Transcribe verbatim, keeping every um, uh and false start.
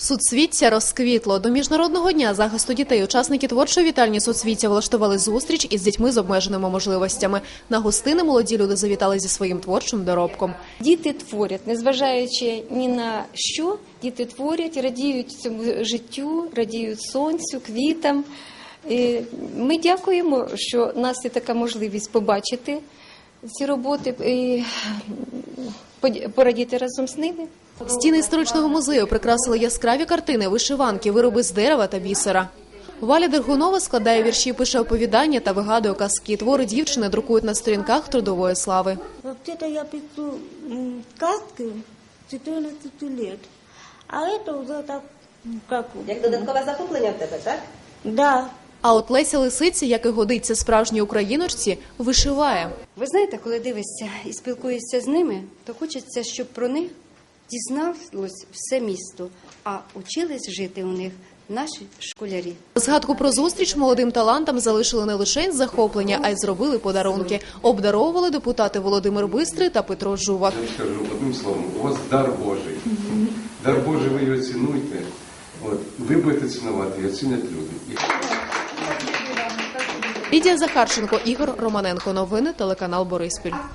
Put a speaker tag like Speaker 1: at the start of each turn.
Speaker 1: Суцвіття розквітло. До Міжнародного дня захисту дітей учасники творчої вітальні «Суцвіття» влаштували зустріч із дітьми з обмеженими можливостями. На гостини молоді люди завітали зі своїм творчим доробком.
Speaker 2: Діти творять, незважаючи ні на що, діти творять, радіють цьому життю, радіють сонцю, квітам. І ми дякуємо, що у нас є така можливість побачити ці роботи і порадіти разом з ними.
Speaker 1: Стіни історичного музею прикрасили яскраві картини, вишиванки, вироби з дерева та бісера. Валя Дергунова складає вірші, пише оповідання та вигадує казки. Твори дівчини друкують на сторінках трудової слави.
Speaker 3: Взагалі я пишу казки чотирнадцять років, а це вже так, як...
Speaker 4: Як додаткове захоплення в тебе, так?
Speaker 3: Да.
Speaker 1: А от Леся Лисиця, як і годиться справжній україночці, вишиває.
Speaker 5: Ви знаєте, коли дивишся і спілкуєшся з ними, то хочеться, щоб про них дізналось все місто, а учились жити у них наші школярі.
Speaker 1: Згадку про зустріч молодим талантам залишили не лише із захоплення, а й зробили подарунки. Обдаровували депутати Володимир Бистрий та Петро Жувак.
Speaker 6: Я скажу одним словом, у вас дар Божий. Дар Божий, ви його цінуйте. От, ви будете цінувати і оцінять люди.
Speaker 1: Лідія Захарченко, Ігор Романенко. Новини телеканал Бориспіль.